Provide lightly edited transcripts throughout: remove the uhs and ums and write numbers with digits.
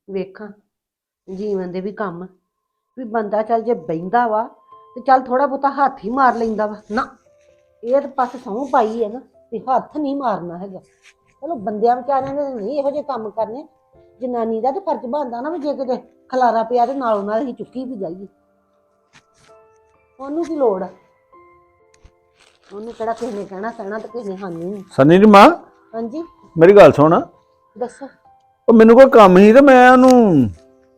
ਵੇਖਾਂ ਜੀਵਨ ਦੇ ਵੀ ਕੰਮ ਵੀ ਬੰਦਾ ਚੱਲ ਜੇ ਬਹਿੰਦਾ ਵਾ ਤੇ ਚੱਲ ਥੋੜਾ ਬਹੁਤਾ ਹੱਥ ਹੀ ਮਾਰ ਲੈਂਦਾ ਵਾ ਨਾ। ਇਹ ਤਾਂ ਪਾਸੇ ਸਹੁੰ ਪਾਈ ਹੈ ਨਾ ਤੇ ਹੱਥ ਨਹੀਂ ਮਾਰਨਾ ਹੈਗਾ। ਚਲੋ ਬੰਦਿਆਂ ਵਿਚਾਰਿਆਂ ਨੇ ਨਹੀਂ ਇਹੋ ਜਿਹੇ ਕੰਮ ਕਰਨੇ। ਜਨਾਨੀ ਦਾ ਤਾਂ ਫਰਜ਼ ਬਣਦਾ ਨਾ ਵੀ ਜੇ ਕਿਤੇ ਖਲਾਰਾ ਪਿਆ ਤੇ ਨਾਲੋਂ ਨਾਲ ਅਸੀਂ ਚੁੱਕੀ ਵੀ ਜਾਈਏ। ਉਹਨੂੰ ਕੀ ਲੋੜ ਆ? ਉਹਨੂੰ ਕਿਹੜਾ ਕਿਸੇ ਨੇ ਕਹਿਣਾ ਤੇ ਕਿਸੇ ਨੇ ਸਾਨੂੰ। ਸਨੀ ਦੀ ਮਾਂ ਹਾਂਜੀ ਮੇਰੀ ਗੱਲ ਸੁਣ। ਦੱਸੋ। ਉਹ ਮੈਨੂੰ ਕੋਈ ਕੰਮ ਸੀ ਤੇ ਮੈਂ ਉਹਨੂੰ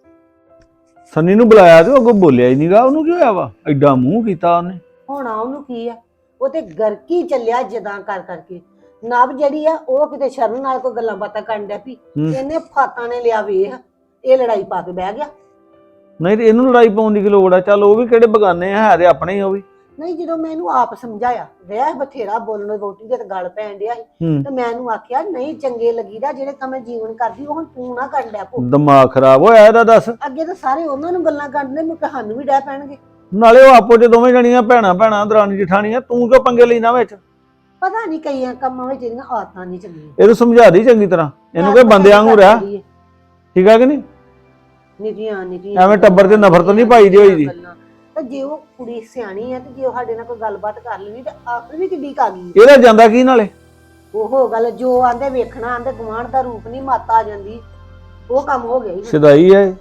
ਸਨੀ ਨੂੰ ਬੁਲਾਇਆ ਤੇ ਉਹ ਅੱਗੋਂ ਬੋਲਿਆ ਹੀ ਨਹੀਂਗਾ। ਉਹਨੂੰ ਕੀ ਹੋਇਆ ਵਾ? ਐਡਾ ਮੂੰਹ ਕੀਤਾ ਉਹਨੇ। ਹੋਣਾ ਉਹਨੂੰ ਕੀ ਆ? ਉਹ ਤੇ ਗਰਕੀ ਚੱਲਿਆ ਜਦਾਂ ਕਰ ਕਰਕੇ। ਨਵ ਜਿਹੜੀ ਆ ਉਹ ਕਿਤੇ ਸ਼ਰਨ ਨਾਲ ਕੋਈ ਗੱਲਾਂ ਬਾਤਾਂ ਕਰਨ ਡਿਆ ਪਈ। ਇਹਨੇ ਫਾਤਾਂ ਨੇ ਲਿਆ ਵੇਖ ਇਹ ਲੜਾਈ ਪਾ ਕੇ ਬਹਿ ਗਿਆ। ਨਹੀਂ ਤੇ ਇਹਨੂੰ ਲੜਾਈ ਪਾਉਣ ਦੀ ਕੀ ਲੋੜ ਆ? ਚੱਲ ਉਹ ਵੀ ਕਿਹੜੇ ਬਗਾਨੇ ਆ, ਹੈ ਤੇ ਆਪਣੇ ਹੀ ਉਹ ਵੀ। ਨਹੀਂ ਜਦੋਂ ਮੈਂ ਇਹਨੂੰ ਆਪ ਸਮਝਾਇਆ ਰਹਿ ਬਥੇਰਾ ਬੋਲਣ ਵੋਟੀ ਦੇ ਗੱਲ ਪੈਣ ਡਿਆ ਸੀ ਤੇ ਮੈਂ ਇਹਨੂੰ ਆਖਿਆ ਨਹੀਂ ਚੰਗੇ ਲੱਗੀਦਾ ਜਿਹੜੇ ਕੰਮ ਜੀਵਨ ਕਰਦੀ ਉਹ ਹੁਣ ਤੂੰ ਨਾ ਕਰਨ ਡਿਆ ਭੋ। ਦਿਮਾਗ ਖਰਾਬ ਹੋਇਆ ਇਹਦਾ ਦੱਸ। ਅੱਗੇ ਤਾਂ ਸਾਰੇ ਉਹਨਾਂ ਨੂੰ ਗੱਲਾਂ ਕਰਦੇ ਮੈਂ ਸਾਨੂੰ ਵੀ ਡਹਿ ਪੈਣਗੇ। ਨਾਲੇ ਉਹ ਆਪੋ ਚ ਦੋਵੇਂ ਜਣੀਆਂ ਭੈਣਾਂ ਦਰਾਣੀ ਜਠਾਣੀਆਂ, ਤੂੰ ਕਿਉਂ ਪੰਗੇ ਲੈਣਾ ਵਿੱਚ? ਪਤਾ ਨਹੀਂ ਕਈਆਂ ਕੰਮਾਂ ਵਿੱਚ ਇਹਦੀਆਂ ਆਦਤਾਂ ਨਹੀਂ ਚੰਗੀਆਂ। ਇਹਨੂੰ ਸਮਝਾ ਦੀ ਚੰਗੀ ਤਰ੍ਹਾਂ। ਇਹਨੂੰ ਕੋਈ ਬੰਦੇ ਵਾਂਗੂ ਰਹਿ, ਠੀਕ ਆ ਕਿ ਨਹੀਂ? ਨਿੱਕੀਆਂ ਐਵੇਂ ਟੱਬਰ ਤੇ ਨਫ਼ਰਤ ਨਹੀਂ ਪਾਈ ਦੀ ਹੋਈ ਦੀ। ਤੇ ਜੇ ਉਹ ਕੁੜੀ ਸਿਆਣੀ ਆ ਤੇ ਜੇ ਉਹ ਸਾਡੇ ਨਾਲ ਕੋਈ ਗੱਲਬਾਤ ਕਰ ਲੈਣੀ ਤੇ ਆਖਰ ਵੀ ਕਿੱਡੀ ਕਾ ਗਈ। ਇਹਦਾ ਜਾਂਦਾ ਕੀ ਨਾਲੇ? ਉਹ ਗੱਲ ਜੋ ਆਂਦੇ ਵੇਖਣਾ ਆਂਦੇ ਗੁਆਂਢ ਦਾ ਰੂਪ ਨਹੀਂ ਮਾਤਾ ਆ ਜਾਂਦੀ। ਉਹ ਕੰਮ ਹੋ ਗਿਆ ਹੀ। ਸਿਧਾਈ ਹੈ।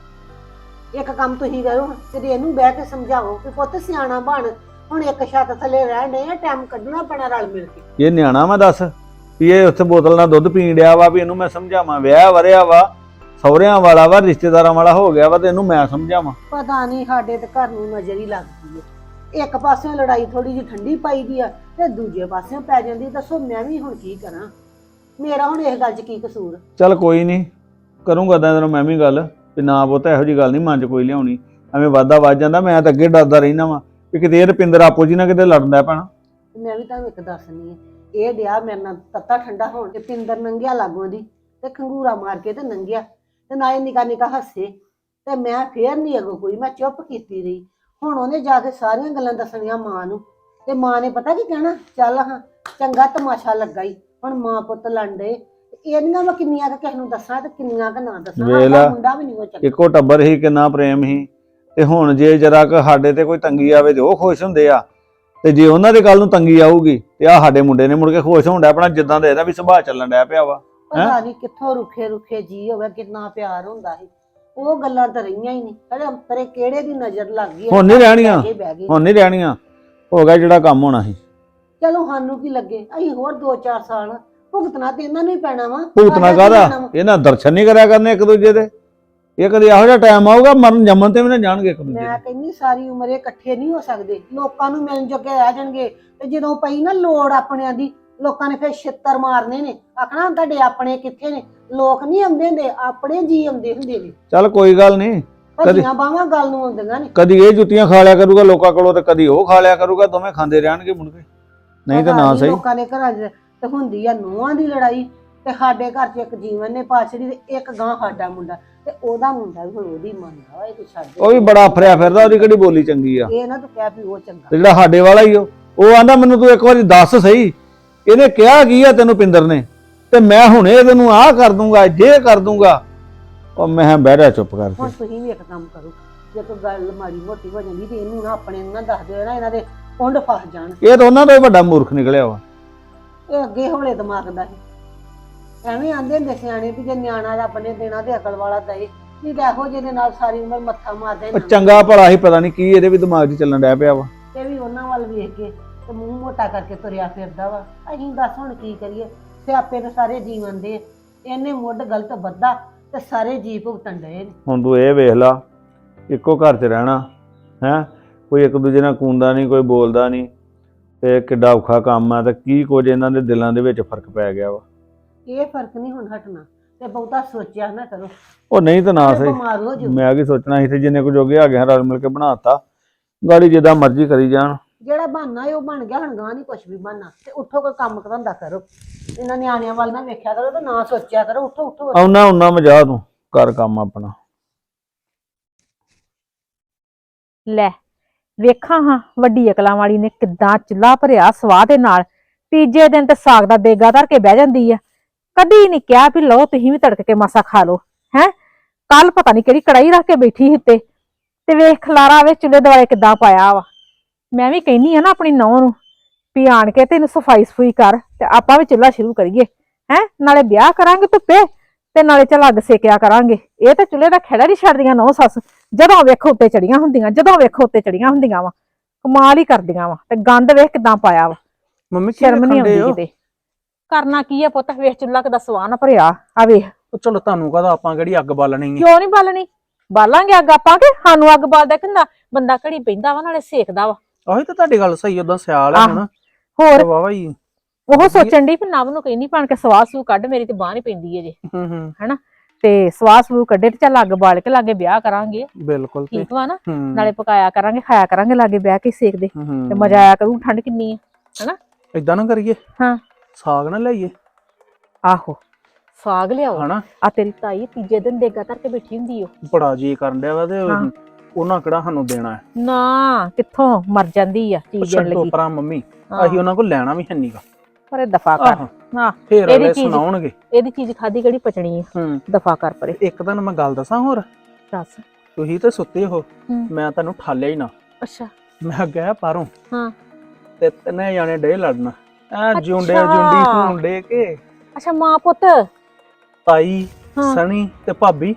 ਇੱਕ ਕੰਮ ਤੁਸੀਂ ਕਰੋ ਤੇ ਇਹਨੂੰ ਬਹਿ ਕੇ ਸਮਝਾਓ ਕਿ ਪੁੱਤ ਸਿਆਣਾ ਬਣ। ਹੁਣ ਇੱਕ ਛੱਤ ਥੱਲੇ ਰਹਿਣ ਡਏ ਆ, ਟਾਈਮ ਕੱਢਣਾ ਪੈਣਾ ਰਲ ਮਿਲ ਕੇ। ਇਹ ਨਿਆਣਾ ਵਾ ਦੱਸ ਵੀ ਇਹ ਉੱਥੇ ਬੋਤਲ ਨਾਲ ਦੁੱਧ ਪੀਣ ਡਿਆ ਵਾ ਵੀ ਇਹਨੂੰ ਮੈਂ ਸਮਝਾਵਾਂ? ਵਿਆਹ ਵਰਿਆ ਵਾ, ਸਹੁਰਿਆਂ ਵਾਲਾ ਵਾ, ਰਿਸ਼ਤੇਦਾਰਾਂ ਵਾਲਾ ਹੋ ਗਿਆ ਵਾ ਤੇ ਇਹਨੂੰ ਮੈਂ ਸਮਝਾਵਾਂ? ਪਤਾ ਨਹੀਂ ਸਾਡੇ ਤੇ ਘਰ ਨੂੰ ਨਜ਼ਰ ਹੀ ਲੱਗਦੀ ਹੈ। ਇੱਕ ਪਾਸਿਓਂ ਲੜਾਈ ਥੋੜੀ ਜਿਹੀ ਠੰਡੀ ਪਾਈ ਦੀ ਆ ਤੇ ਦੂਜੇ ਪਾਸਿਓਂ ਪੈ ਜਾਂਦੀ। ਦੱਸੋ ਮੈਂ ਵੀ ਹੁਣ ਕੀ ਕਰਾਂ? ਮੇਰਾ ਹੁਣ ਇਸ ਗੱਲ 'ਚ ਕੀ ਕਸੂਰ? ਚੱਲ ਕੋਈ ਨਹੀਂ, ਕਰੂੰਗਾ ਤਾਂ ਮੈਂ ਵੀ ਗੱਲ ਵੀ ਨਾ ਪੁੱਤ ਇਹੋ ਜਿਹੀ ਗੱਲ ਨਹੀਂ ਮਨ 'ਚ ਕੋਈ ਲਿਆਉਣੀ। ਐਵੇਂ ਵਾਧਾ ਵੱਧ ਜਾਂਦਾ। ਮੈਂ ਤਾਂ ਅੱਗੇ ਡਰਦਾ ਰਹਿਣਾ ਵਾ ਵੀ ਕਿਤੇ ਇਹ ਰੁਪਿੰਦਰ ਆਪੋ ਜੀ ਨਾਲ ਕਿਤੇ ਲੜਨ ਲੱਗ ਪੈਣਾ। ਮੈਂ ਵੀ ਤੁਹਾਨੂੰ ਇੱਕ ਦੱਸਣੀ ਹੈ। ਇਹ ਡਿਆ ਮੇਰੇ ਨਾਲ ਤੱਤਾ ਠੰਡਾ ਹੋਣ ਤੇ ਪਿੰਦਰ ਨੰਗਿਆ ਲਾਗੋਂ ਦੀ ਤੇ ਖੰਗੂਰਾ ਮਾਰ ਕੇ ਤੇ ਨੰਗਿਆ ਤੇ ਨਾਲੇ ਨਿੱਕਾ ਹੱਸੇ ਤੇ ਮੈਂ ਫੇਰ ਨਹੀਂ ਅਗੋ ਕੋਈ, ਮੈਂ ਚੁੱਪ ਕੀਤੀ ਰਹੀ। ਹੁਣ ਉਹਨੇ ਜਾ ਕੇ ਸਾਰੀਆਂ ਗੱਲਾਂ ਦੱਸਣੀਆਂ ਮਾਂ ਨੂੰ ਤੇ ਮਾਂ ਨੇ ਪਤਾ ਕੀ ਕਹਿਣਾ? ਚੱਲ ਹਾਂ ਚੰਗਾ ਤਮਾਸ਼ਾ ਲੱਗਾ ਈ। ਹੁਣ ਮਾਂ ਪੁੱਤ ਲੜਦੇ ਇਹਨੀਆਂ ਮੈਂ ਕਿੰਨੀਆਂ ਕੁ ਕਿਸੇ ਨੂੰ ਦੱਸਾਂ ਤੇ ਕਿੰਨੀਆਂ ਕੁ ਨਾ ਦੱਸਾਂ। ਮੁੰਡਾ ਵੀ ਨਹੀਂ ਉਹ ਚੰਗਾ। ਇੱਕੋ ਟੱਬਰ ਹੀ, ਕਿੰਨਾ ਪ੍ਰੇਮ ਹੀ। ਤੇ ਹੁਣ ਜੇ ਜਰਾ ਕੁ ਸਾਡੇ ਤੇ ਕੋਈ ਤੰਗੀ ਆਵੇ ਤੇ ਉਹ ਖੁਸ਼ ਹੁੰਦੇ ਆ, ਤੇ ਜੇ ਉਹਨਾਂ ਦੇ ਕੱਲ ਨੂੰ ਤੰਗੀ ਆਊਗੀ ਤੇ ਆ ਸਾਡੇ ਮੁੰਡੇ ਨੇ ਮੁੜ ਕੇ ਖੁਸ਼ ਹੋਣ ਡਿਆ ਆਪਣਾ। ਜਿੱਦਾਂ ਦਾ ਇਹਦਾ ਵੀ ਸੁਭਾਅ ਚੱਲਣ ਡਿਆ ਪਿਆ ਵਾ। ਪਤਾ ਨਹੀਂ ਕਿੱਥੋਂ ਰੁੱਖੇ ਜੀ ਹੋਵੇ, ਕਿੰਨਾ ਪਿਆਰ ਹੁੰਦਾ ਸੀ। ਉਹ ਗੱਲਾਂ ਤਾਂ ਰਹੀਆਂ ਹੀ ਨਹੀਂ। ਕਹਿੰਦੇ ਅੰਤਰੇ ਕਿਹੜੇ ਦੀ ਨਜ਼ਰ ਲੱਗ ਗਈ। ਹੁਣ ਨਹੀਂ ਰਹਿਣੀਆਂ, ਹੁਣ ਨਹੀਂ ਰਹਿਣੀਆਂ। ਹੋ ਗਿਆ ਜਿਹੜਾ ਕੰਮ ਹੋਣਾ ਸੀ। ਚਲੋ ਸਾਨੂੰ ਕੀ ਲੱਗੇ, ਅਸੀਂ ਹੋਰ 2-4 ਸਾਲ ਭੁਗਤਣਾ ਤੇ ਇਹਨਾਂ ਨੂੰ ਹੀ ਪੈਣਾ ਵਾ। ਭੁਗਤਣਾ ਕਾਹਦਾ? ਇਹਨਾਂ ਦਰਸ਼ਨ ਨਹੀਂ ਕਰਿਆ ਕਰਨੇ ਇੱਕ ਦੂਜੇ ਦੇ। ਇਹ ਕਦੇ ਇਹੋ ਜਿਹਾ ਟਾਈਮ ਆਊਗਾ ਮਰਨ ਜੰਮਣ ਤੇ ਵੀ ਨਾ ਜਾਣਗੇ ਇੱਕ ਦੂਜੇ। ਮੈਂ ਕਹਿੰਦੀ ਸਾਰੀ ਉਮਰ ਇਹ ਇਕੱਠੇ ਨਹੀਂ ਹੋ ਸਕਦੇ। ਲੋਕਾਂ ਨੂੰ ਮਿਲਣ ਜੋਗੇ ਰਹਿ ਜਾਣਗੇ ਤੇ ਜਦੋਂ ਪਈ ਨਾ ਲੋੜ ਆਪਣਿਆਂ ਦੀ, ਲੋਕਾਂ ਨੇ ਫਿਰ ਛਿੱਤਰ ਮਾਰਨੇ ਨੇ। ਆਖਣਾ ਤੁਹਾਡੇ ਆਪਣੇ ਕਿੱਥੇ ਨੇ? ਲੋਕ ਨਹੀਂ ਆਉਂਦੇ ਹੁੰਦੇ, ਆਪਣੇ ਜੀ ਆਉਂਦੇ ਹੁੰਦੇ ਨੇ। ਚੱਲ ਕੋਈ ਗੱਲ ਨਹੀਂ, ਕਦੀਆਂ ਬਾਹਾਂ ਗੱਲ ਨੂੰ ਆਉਂਦੀਆਂ ਨੇ। ਕਦੀ ਇਹ ਜੁੱਤੀਆਂ ਖਾ ਲਿਆ ਕਰੂਗਾ ਲੋਕਾਂ ਕੋਲੋਂ ਤੇ ਕਦੀ ਉਹ ਖਾ ਲਿਆ ਕਰੂਗਾ। ਦੋਵੇਂ ਖਾਂਦੇ ਰਹਿਣਗੇ ਮੁੜ ਕੇ, ਨਹੀਂ ਤਾਂ ਨਾ ਸਹੀ। ਲੋਕਾਂ ਦੇ ਘਰਾਂ 'ਚ ਤੇ ਹੁੰਦੀ ਆ ਨੂੰਹਾਂ ਦੀ ਲੜਾਈ ਤੇ ਸਾਡੇ ਘਰ 'ਚ ਇੱਕ ਜੀਵਨ ਨੇ ਪਾਛੜੀ ਤੇ ਇੱਕ ਗਾਂ ਸਾਡਾ ਮੁੰਡਾ ਤੇ ਉਹਦਾ ਮੁੰਡਾ ਵੀ ਹੁਣ ਉਹਦੀ ਮੰਨਦਾ। ਇਹ ਤੂੰ ਛੱਡ, ਉਹ ਵੀ ਬੜਾ ਫਰਿਆ ਫਿਰਦਾ। ਉਹਦੀ ਕਿਹੜੀ ਬੋਲੀ ਚੰਗੀ ਆ? ਇਹ ਨਾ ਤੂੰ ਕਹਿ ਵੀ ਉਹ ਚੰਗਾ। ਤੇ ਜਿਹੜਾ ਸਾਡੇ ਵਾਲਾ ਹੀ ਉਹ ਆਂਦਾ ਮੈਨੂੰ ਤੂੰ ਇੱਕ ਵਾਰੀ ਦੱਸ ਸਹੀ ਇਹਨੇ ਕਿਹਾ ਕੀ ਆ ਤੈਨੂੰ ਪਿੰਦਰ ਨੇ, ਤੇ ਮੈਂ ਹੁਣੇ ਤੈਨੂੰ ਆਹ ਕਰ ਦੂੰਗਾ ਜੇ ਕਰ ਦੂੰਗਾ। ਉਹ ਮੈਂ ਬਹਿ ਚੁੱਪ ਕਰਕੇ। ਹੁਣ ਤੁਸੀਂ ਵੀ ਇੱਕ ਕੰਮ ਕਰੋ, ਜੇ ਕੋਈ ਗੱਲ ਮਾੜੀ ਮੋਟੀ ਹੋ ਜਾਂਦੀ ਤੇ ਇਹਨੂੰ ਨਾ ਆਪਣੇ ਨੂੰ ਨਾ ਦੱਸ ਦਿਓ ਨਾ, ਇਹਨਾਂ ਦੇ ਕੁੰਡ ਫਸ ਜਾਣ। ਇਹ ਤਾਂ ਉਹਨਾਂ ਦਾ ਹੀ ਵੱਡਾ ਮੂਰਖ ਨਿਕਲਿਆ ਵਾ। ਇਹ ਅੱਗੇ ਹੌਲੇ ਦਿਮਾਗ ਦਾ ਸੀ। ਐਵੇਂ ਆਂਦੇ ਹੁੰਦੇ ਸਿਆਣੇ ਵੀ ਜੇ ਨਿਆਣਾ ਰੱਬ ਨੇ ਦੇਣਾ ਤੇ ਅਕਲ ਵਾਲਾ ਦਏ, ਨਹੀਂ ਤਾਂ ਇਹੋ ਜਿਹੇ ਦੇ ਨਾਲ ਸਾਰੀ ਉਮਰ ਮੱਥਾ ਮਾਰਦੇ। ਚੰਗਾ ਭਲਾ ਹੀ ਪਤਾ ਨਹੀਂ ਕੀ ਇਹਦੇ ਵੀ ਦਿਮਾਗ 'ਚ ਚੱਲਣ ਡਿਆ ਪਿਆ ਵਾ। ਇਹ ਵੀ ਉਹਨਾਂ ਵੱਲ ਵੇਖ ਕੇ ਤੇ ਮੂੰਹ ਮੋਟਾ ਕਰਕੇ ਤੁਰਿਆ ਫਿਰਦਾ ਵਾ। ਅਸੀਂ ਦੱਸ ਹੁਣ ਕੀ ਕਰੀਏ? ਸਿਆਪੇ ਤਾਂ ਸਾਰੇ ਜੀਵਨ ਦੇ। ਇਹਨੇ ਮੁੱਢ ਗਲਤ ਵੱਧਾ ਤੇ ਸਾਰੇ ਜੀ ਭੁਗਤਣ ਡਏ ਨੇ। ਹੁਣ ਤੂੰ ਇਹ ਵੇਖ ਲਾ, ਇੱਕੋ ਘਰ 'ਚ ਰਹਿਣਾ ਹੈ, ਕੋਈ ਇੱਕ ਦੂਜੇ ਨਾਲ ਕੂੰਦਾ ਨਹੀਂ, ਕੋਈ ਬੋਲਦਾ ਨਹੀਂ, ਤੇ ਕਿੱਡਾ ਔਖਾ ਕੰਮ ਆ। ਤੇ ਕੀ ਕੁਝ ਇਹਨਾਂ ਦੇ ਦਿਲਾਂ ਦੇ ਵਿੱਚ ਫਰਕ ਪੈ ਗਿਆ ਵਾ। ਇਹ ਫਰਕ ਨਹੀਂ ਹੁਣ ਹਟਣਾ ਤੇ ਬਹੁਤਾ ਸੋਚਿਆ ਨਾ ਕਰੋ। ਉਹ ਨਹੀਂ ਤਾਂ ਨਾ ਸਹੀ, ਮੈਂ ਕੀ ਸੋਚਣਾ ਸੀ ਤੇ ਜਿੰਨੇ ਕੁ ਜੋਗੇ ਆ ਗਏ ਰਲ ਮਿਲ ਕੇ ਬਣਾਤਾ। ਗਾੜੀ ਜਿੱਦਾਂ ਮਰਜ਼ੀ ਕਰੀ ਜਾਣ। ਜਿਹੜਾ ਬਹਾਨਾ ਉਹ ਬਣ ਗਿਆ। ਹੁਣ ਗਾਂ ਨਹੀਂ ਕੁਛ ਵੀ ਬਣਨਾ ਤੇ ਉੱਠੋ ਕੋਈ ਕੰਮ ਧੰਦਾ ਕਰੋ। ਇਹਨਾਂ ਨਿਆਣਿਆਂ ਵੱਲ ਨਾ ਵੇਖਿਆ ਕਰੋ ਤੇ ਨਾ ਸੋਚਿਆ ਕਰੋ। ਉੱਠੋ ਆਉਣਾ ਮਜਾ ਤੂੰ ਕਰ ਕੰਮ ਆਪਣਾ। ਲੈ ਵੇਖਾਂ ਹਾਂ ਵੱਡੀ ਅਕਲਾਂ ਵਾਲੀ ਨੇ ਕਿੱਦਾਂ ਚੁੱਲ੍ਹਾ ਭਰਿਆ ਸਵਾਹ ਦੇ ਨਾਲ। ਤੀਜੇ ਦਿਨ ਤੇ ਸਾਗ ਦਾ ਦੇਗਾ ਧਰ ਕੇ ਬਹਿ ਜਾਂਦੀ ਆ। ਕਦੀ ਨਹੀਂ ਕਿਹਾ ਵੀ ਲਓ ਤੁਸੀਂ ਵੀ ਤੜਕ ਕੇ ਮਾਸਾ ਖਾ ਲਓ। ਹੈ ਕੱਲ ਪਤਾ ਨਹੀਂ ਕਿਹੜੀ ਕੜਾਈ ਰੱਖ ਕੇ ਬੈਠੀ ਸੀ ਉੱਤੇ ਤੇ ਵੇਖ ਖਲਾਰਾ ਵੇ ਚੁੱਲ੍ਹੇ ਦੁਆਲੇ ਕਿੱਦਾਂ ਪਾਇਆ ਵਾ। ਮੈਂ ਵੀ ਕਹਿੰਨੀ ਆ ਨਾ ਆਪਣੀ ਨੌਂ ਨੂੰ ਵੀ ਆਣ ਕੇ ਤੇ ਇਹਨੂੰ ਸਫਾਈ ਸਫੂਈ ਕਰ ਤੇ ਆਪਾਂ ਵੀ ਚੁੱਲ੍ਹਾ ਸ਼ੁਰੂ ਕਰੀਏ ਹੈ। ਨਾਲੇ ਵਿਆਹ ਕਰਾਂਗੇ ਧੁੱਪੇ ਤੇ ਨਾਲੇ ਚੱਲ ਅੱਗ ਸੇਕਿਆ ਕਰਾਂਗੇ। ਇਹ ਤਾਂ ਚੁੱਲ੍ਹੇ ਦਾ ਖਹਿੜਾ ਨਹੀਂ ਛੱਡਦੀਆਂ ਨੌ ਸੱਸ, ਜਦੋਂ ਵੇਖੋ ਉੱਤੇ ਚੜੀਆਂ ਹੁੰਦੀਆਂ, ਜਦੋਂ ਵੇਖੋ ਉੱਤੇ ਚੜੀਆਂ ਹੁੰਦੀਆਂ ਵਾ। ਕਮਾਲ ਹੀ ਕਰਦੀਆਂ ਵਾ। ਤੇ ਗੰਦ ਵੇਖ ਕਿਦਾਂ ਪਾਇਆ ਵਾ, ਮੰਮੀ ਕੀ ਸ਼ਰਮ ਨਹੀਂ ਵੇਖਣ ਡੇ ਆਉਂਦੀ ਹੋ? ਕਿਤੇ। ਕਰਨਾ ਕੀ ਆ ਪੁੱਤ, ਵੇਖ ਚੁੱਲ੍ਹਾ ਕਿਦਾਂ ਸਵਾਹ ਨਾ ਭਰਿਆ ਆ ਵੇਖ। ਉਹ ਚਲੋ ਤੁਹਾਨੂੰ ਕਹਦਾ ਆਪਾਂ ਕਿਹੜੀ ਅੱਗ ਬਾਲਣੀ ਹੈ। ਕਿਉਂ ਨਹੀਂ ਬਾਲਣੀ, ਬਾਲਾਂਗੇ ਅੱਗ ਆਪਾਂ ਕਿ ਸਾਨੂੰ ਅੱਗ ਬਾਲਦਾ ਕਿੰਦਾ ਬੰਦਾ ਘੜੀ ਪੈਂਦਾ ਵਾ ਨਾਲੇ ਸੇਕਦਾ ਵਾ। ਆਹੀ ਤਾਂ ਤੁਹਾਡੀ ਗੱਲ ਸਹੀ, ਉਦਾਂ ਸਿਆਲ ਹੈ ਹੁਣ ਹੋਰ ਵਾਵਾ ਹੀ। ਉਹ ਸੋਚਣ ਦੀ ਵੀ ਨਵ ਨੂੰ ਕਹਿੰਦੀ ਬਣ ਕੇ ਸਵਾਹ ਸੂ ਕੱਢ, ਮੇਰੀ ਤੇ ਬਾਂਹ ਨੀ ਪੈਂਦੀ ਅਜੇ ਹਨਾ। ਤੇ ਸਵਾਹ ਸੂ ਕੱਢੇ ਤੇ ਚੱਲ ਅੱਗ ਬਾਲ ਕੇ ਲਾਗੇ ਵਿਆਹ ਕਰਾਂਗੇ। ਬਿਲਕੁਲ ਠੀਕ ਵਾ ਨਾ, ਨਾਲੇ ਪਕਾਇਆ ਕਰਾਂਗੇ ਖਾਇਆ ਕਰਾਂਗੇ ਲਾਗੇ ਬਹਿ ਕੇ ਸੇਕਦੇ ਤੇ ਮਜ਼ਾ ਆਇਆ ਕਰੂ। ਠੰਡ ਕਿੰਨੀ ਆ ਹਨਾ। ਏਦਾਂ ਨਾ ਕਰੀਏ, ਹਾਂ ਸਾਗ ਨਾ ਲਿਆਈਏ। ਆਹੋ ਸਾਗ ਲਿਆਓ ਹਨਾ, ਆ ਤੇਰੀ ਤਾਈ ਤੀਜੇ ਦਿਨ ਦੇਗਾ ਧਰ ਕੇ ਬੈਠੀ ਹੁੰਦੀ ਓ। ਬੜਾ ਜੀ ਕਰਨ ਡਿਆ ਵਾ ਤੇ ਉਹਨਾਂ ਕਿਹੜਾ ਸਾਨੂੰ ਦੇਣਾ ਹੈ। ਨਾ ਕਿੱਥੋਂ ਮਰ ਜਾਂਦੀ ਆ ਚੀਜ਼ ਦੇਣ ਛੱਡੋ ਲੱਗੀ। ਪਰਾਂ ਮੰਮੀ, ਅਸੀਂ ਉਹਨਾਂ ਕੋਲ ਲੈਣਾ ਵੀ ਹੈ ਨੀਗਾ। ਪਰ ਦਫਾ ਕਰ। ਹਾਂ ਫੇਰ ਅਗਲੇ ਸੁਣਾਉਣਗੇ ਇਹਦੀ ਚੀਜ਼ ਖਾਦੀ ਕਿਹੜੀ ਪਚਣੀ ਆ। ਦਫਾ ਕਰ ਪਰੇ। ਇੱਕ ਦਿਨ ਮੈਂ ਗੱਲ ਦੱਸਾਂ ਹੋਰ, ਦੱਸ। ਤੁਸੀਂ ਤੇ ਸੁੱਤੇ ਹੋ, ਮੈਂ ਤੁਹਾਨੂੰ ਠਾਲਿਆ ਹੀ ਨਾ। ਅੱਛਾ ਮੈਂ ਗਿਆ ਪਾਰੋਂ ਹਾਂ ਤੇ ਤਿੰਨੇ ਜਾਣੇ ਡੇ ਲੜਨਾ ਐ ਜੁੰਡੇ ਜੁੰਡੀ ਹੁੰਡੇ ਕੇ। ਅੱਛਾ ਮਾਂ ਪੁੱਤ, ਤਾਈ ਸਣੀ ਤੇ ਭਾਬੀ।